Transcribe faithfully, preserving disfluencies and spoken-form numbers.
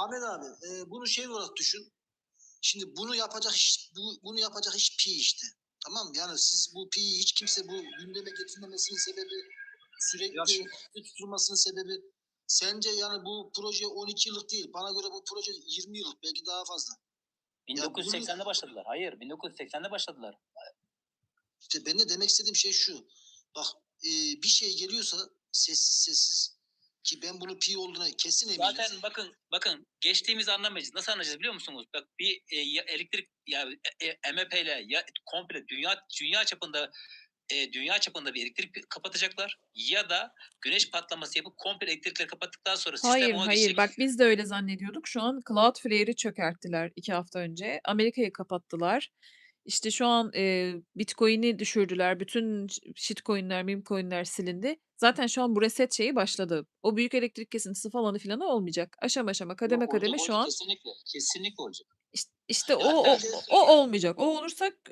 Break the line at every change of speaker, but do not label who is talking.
Ahmet abi, e, bunu şey olarak düşün. Şimdi bunu yapacak iş, bu, bunu yapacak iş pi işte. Tamam mı? Yani siz bu pi'yi hiç kimse bu gündeme getirmemesinin sebebi, sürekli tutulmasının sebebi, sence yani bu proje on iki yıllık değil. Bana göre bu proje yirmi yıllık, belki daha fazla.
bin dokuz yüz seksende başladılar. Hayır, bin dokuz yüz seksende başladılar.
İşte ben de demek istediğim şey şu. Bak, e, bir şey geliyorsa sessiz sessiz, ki ben bunu pi olduğuna kesin eminim.
Zaten bakın bakın geçtiğimiz anlamayacağız. Nasıl anlayacağız biliyor musunuz? Bak bir e, ya elektrik ya e, M H P ile ya komple dünya dünya çapında e, dünya çapında bir elektrik kapatacaklar ya da güneş patlaması yapıp komple elektrikleri kapattıktan sonra sistem
Hayır,
ona
hayır.
geçecek.
Bak biz de öyle zannediyorduk. Şu an Cloudflare'i çökerttiler iki hafta önce. Amerika'yı kapattılar. İşte şu an, eee, Bitcoin'i düşürdüler. Bütün ş shitcoin'ler, memecoin'ler silindi. Zaten şu an bu reset şeyi başladı. O büyük elektrik kesintisi falanı filanı olmayacak. Aşama aşama, kademe
Yok, olacak,
kademe şu
olacak,
an
kesinlikle. Kesinlikle olacak.
İş işte
Ya
o
hatta
o o olmayacak. O olursa